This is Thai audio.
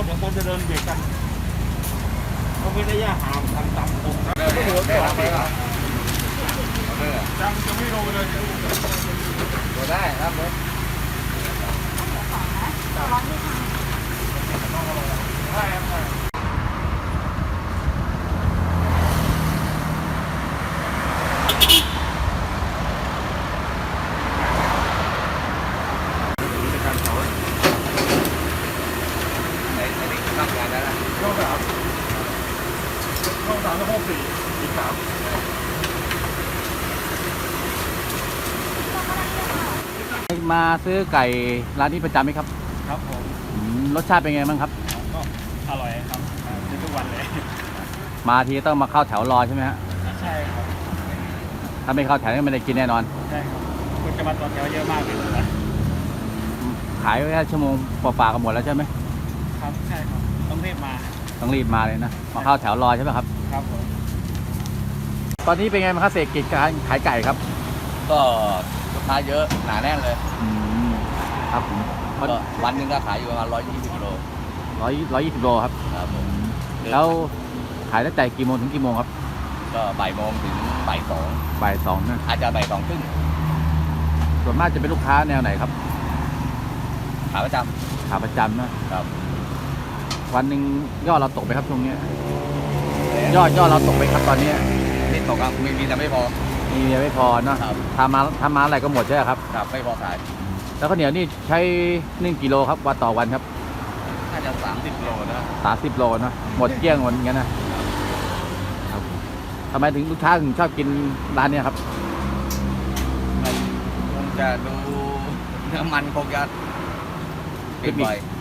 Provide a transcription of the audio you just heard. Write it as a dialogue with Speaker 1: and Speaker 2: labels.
Speaker 1: อย่างคนจะเดินเบียดกันเขาไม่ได้ย่าห่างทำตามตรงนะไม่หัวต่อไปอ่ะจังจะไม่ลงเลยตัวได้ครับผมได้ครับช่อง3แล้ว54อีก3
Speaker 2: มาซื้อไก่ร้านนี้ประจำไหมครับ
Speaker 1: ครับผม
Speaker 2: รสชาติเป็นไงบ้างครับ
Speaker 1: ก็อร่อยครับซื้อทุกวันเลย
Speaker 2: มาทีต้องมาเข้าแถวรอใช่ไหมฮะ
Speaker 1: ใช่ครับ
Speaker 2: ถ้าไม่เข้าแถวก็ไม่ได้กินแน่นอน
Speaker 1: ใช่ครับคุณจะมาต่อแถวเยอะมากเลยนะ
Speaker 2: ขายแค่ชั่วโมงกว่าๆกันหมดแล้วใช่ไหม
Speaker 1: ครับใช่ครับต้องรีบมา
Speaker 2: เลยนะมาเข้าแถวรอใช่ไหมครับ
Speaker 1: ครับผม
Speaker 2: ตอนนี้เป็นไงบ้างครับเศรษฐกิจการขายไก่ครับ
Speaker 3: ก็ลูกค้าเยอะหนาแน่นเลย
Speaker 2: ครับผม
Speaker 3: ก็วันหนึ่งก็ขายอยู่ประมาณ120 กิโล
Speaker 2: 120 โลครับ
Speaker 3: ครับผม
Speaker 2: แล้วขายตั้งแต่กี่โมงถึงกี่โมงครับ
Speaker 3: ก็บ่ายโมงถึงบ่าย
Speaker 2: 2นะ
Speaker 3: อาจจะบ่าย2ครึ่ง
Speaker 2: ส่วนมากจะเป็นลูกค้าแนวไหนครับ
Speaker 3: ขาประจ
Speaker 2: ำนะครับวันหนึ่งยอดเราตกไปครับช่วงนี้
Speaker 3: ำ
Speaker 2: ยอดเราตกไปครับตอนนี้
Speaker 3: นิดตกครับมีแต่ไม่พอ
Speaker 2: ไม่พอเนาะทำมาอะไรก็หมดใช่ไหมครับ
Speaker 3: ครับไม่พอขาย
Speaker 2: แล้วข้าวเหนียวนี่ใช้1 กิโลครับวันต่อวันครับ
Speaker 3: น่าจะ30 โลนะ
Speaker 2: 30 โลนะหมดเกลี้ยงหมดอย่างนั้นนะครับทำไมถึงลูกค้าถึงชอบกินร้านนี้ครับ
Speaker 3: คงจะดูน้ำมันคงจะเปลี่ยนบ่อย